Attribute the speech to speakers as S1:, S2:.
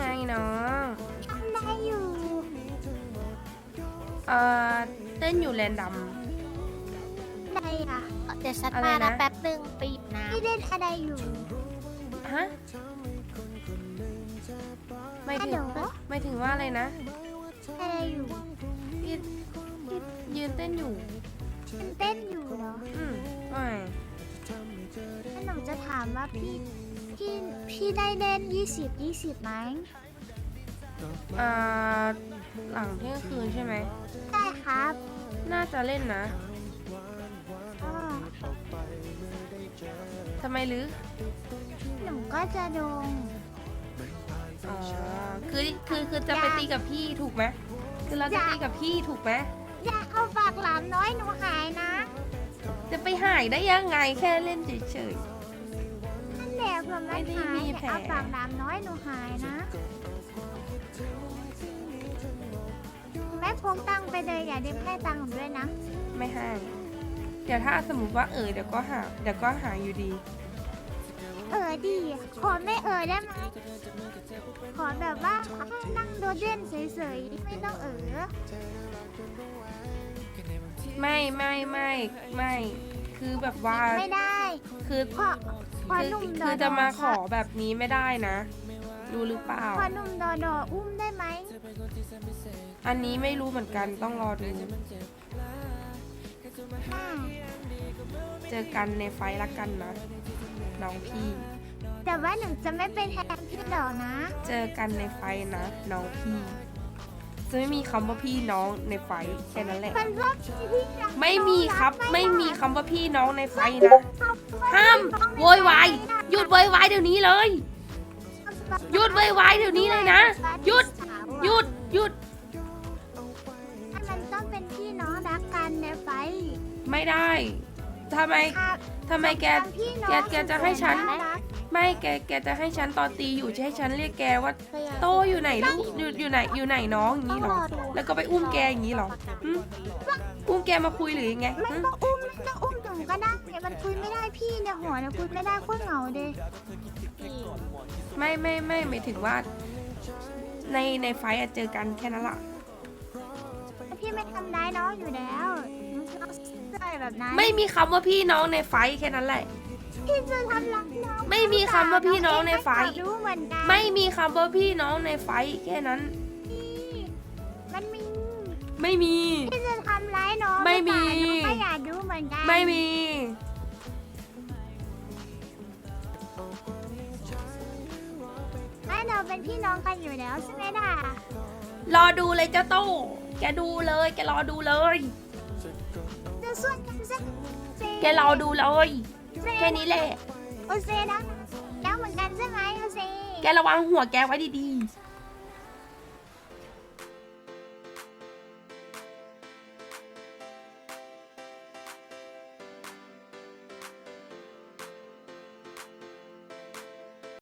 S1: ไงน้อง
S2: ทำได้อยู่
S1: เต้นอยู่แรนดัม
S2: ได้อะ
S3: เดี๋ยวฉัน
S1: อะไร
S3: มา
S1: นะ
S3: นะแป๊บหนึ่งไปหยิบน้
S2: พี่เล่นอะไรอยู่
S1: ฮะไม่ถึง
S2: ฮัลโหล
S1: ไม่ถึงว่าอะไรนะ
S2: อะไรอยู่
S1: พี่ยืนเต้นอยู่
S2: มันเต้นอยู่เหรอ
S1: ไม่
S2: ถ้าหนูจะถามว่าพี่ได้เล่น20 ไหม
S1: หลังเที่ยงคืนใช่ไหม
S2: ได้ครับ
S1: น่าจะเล่นนะ
S2: ก็
S1: ทำไมหรือ
S2: หนูก็จะลง
S1: อ๋อคือจะไปตีกับพี่ถูกไหมคือเราจะตีกับพี่ถูกไหม
S2: อย่าเอาฝากหลานน้อยหนูหายนะ
S1: จะไปหายได้ยังไงแค่เล่นเฉย
S2: นั่นแหละผมมัน
S1: ไม่ได้
S2: หาย
S1: มี
S2: อย่า
S1: แผล
S2: เอาฝากหลานน้อยหนูหายนะแม่พกตังค์ไปเลยอย่าเด็กให้ตังค์ผมด้วยนะ
S1: ๆไม่ให้เดี๋ยวถ้าสมมติว่าเดี๋ยวก็หาอยู่ดี
S2: ดีขอไม่ได้ไหมขอแบบว่าให้นั่งโดดเด่นเฉยๆไม่ต้อง
S1: ไม่คือแบบว่า
S2: ไม่ได้
S1: คือ
S2: ขอหนุ่มดอ
S1: คือจะมาขอแบบนี้ไม่ได้นะรู้หรือเปล่า
S2: ขอหนุ่มดออุ้มได้ไหม
S1: อันนี้ไม่รู้เหมือนกันต้องรอดู เจอกันในไฟล์ละกันนะน้องพี่
S2: แต่ว่าหนูจะไม่เป็นแทนพี่หรอกนะ
S1: เจอกันในไฟล์นะน้องพี่จะไม่มีคำว่าพี่น้องในไฟล์แค่นั้นแหละ
S2: มันว่าพี่รัก
S1: ไม่มีครับ
S2: น้อง
S1: ไม่มี
S2: รัก
S1: คำว่าพี่น้องในไฟล์นะ ห้ามโวยวายหยุดโวยวายเดี๋ยวนี้เลย หยุดโวยวายเดี๋ยวนี้เลยนะหยุด หยุด
S2: มันต้องเป็นพี่น้องรักกันในไฟ
S1: ไม่ได้ทำไม
S2: ครับ
S1: แก
S2: พี่น้อง
S1: แกจะให้ฉัน
S2: น่ารัก
S1: ไม่แกจะให้ฉันตอนตีอยู่จะให้ฉันเรียกแกว่า
S3: ำ
S1: โตอยู่ไหนลูกอยู่ไหนน้องอย่างนี้เหรอ แล้วก็ไปอุ้มแกอย่างนี้เหรอหึอุ้มแกมาคุยหรือยังไง
S2: ไม่
S1: หึ
S2: ต้องอุ้มหนูก็ได้เนี่ยมันคุยไม่ได้พี่เนี่ยหัวเนี่ยคุยไม่ได้โคตรเหงาเลย
S1: ไม่หมายถึงว่า ในไฟท์อะเจอกันแค่นั้นล่ะ
S2: พี่ไม่ทำร้ายน้องอยู่แล้วน้องใส่แบบนั้น
S1: ไม่มีคำว่าพี่น้องในไฟท์แค่นั้นแหละ
S2: พี่จะทำร้ายน้อง
S1: ไม่มีคำว่าพี่น้องในไฟท์
S2: รู้เหมือนกัน
S1: ไม่มีคำว่าพี่น้องในไฟท์แค่นั้น
S2: มันมี
S1: ไม่มี
S2: พี่จะทำร้ายน้อง
S1: ไม่มี
S2: หรือเปล่าน้องก็อยากรู้เหมือนกัน
S1: ไม่มี
S2: ไม่เราเป็นพี่น้องกันอยู่แล้วใช่ไหมล่ะ
S1: รอดูเลยเจ้าโต้แกดูเลยแกรอดูเลย
S2: จะส่วนกันสัก
S1: แกรอดูเลยแค่นี้แหละ
S2: โอเซนะแล้วเหมือนกันใช่ไหมโอเซ
S1: แกระวังหัวแกไว้ดี